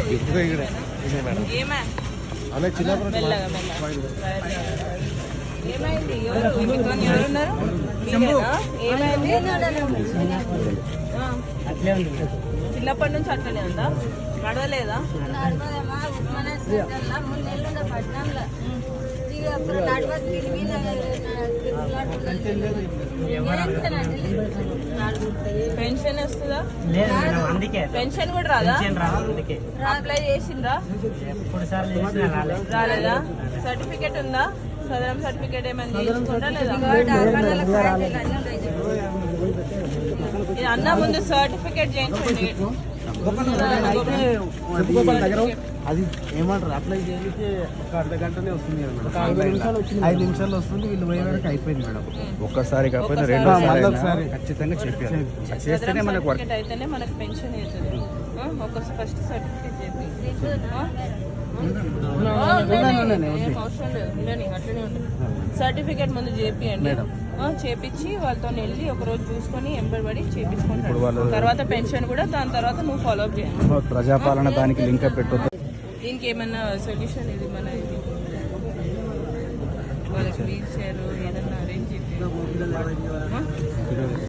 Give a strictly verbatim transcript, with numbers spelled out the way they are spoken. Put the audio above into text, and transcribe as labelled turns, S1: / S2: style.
S1: ఏమా మెల్లగా మెల్లగా ఏమైంది? ఎవరు మీతో ఎవరున్నారు? ఏమైంది? చిన్నప్పటి నుంచి అట్లనే ఉందా? నడవలేదా? పెన్షన్ వస్తుందా? పెన్షన్ కూడా రాదా? అప్లై చేసిందా? రాలేదా? సర్టిఫికేట్ ఉందా? సదరం సర్టిఫికేట్ ఏమైనా తీసుకుంటా లేదా? అన్న ముందు సర్టిఫికేట్ చేయించండి.
S2: అది ఏమంటారు అప్లై చేసి ఒక అర్ధ గంటనే వస్తుంది ఐదు నిమిషాలు వస్తుంది. వీళ్ళు పోయే వరకు అయిపోయింది మేడం.
S3: ఒక్కసారి కాకపోతే రెండు ఒకసారి ఖచ్చితంగా చెప్పాలి. చేస్తేనే మనకు వర్క్
S1: అయితేనే మనకు పెన్షన్ అవుతుంది. ఒక ఫస్ట్ సర్టిఫికేట్ చెప్పి అవసరం లేదు ఉండని అట్లనే ఉండదు. సర్టిఫికేట్ ముందు చేపియండి. చేపించి వాళ్ళతో వెళ్ళి ఒక రోజు చూసుకొని ఎంబడి చేపించుకుంటారు. తర్వాత పెన్షన్ కూడా దాని తర్వాత నువ్వు ఫాలో అప్ చేయాలి.
S3: ప్రజాపాలన దానికి లింక్ పెట్టొద్దు.
S1: దీనికి ఏమన్నా సొల్యూషన్ ఇది మన ఇది వాళ్ళకి వీల్ చైర్ ఏదన్నా అరేంజ్ చేసి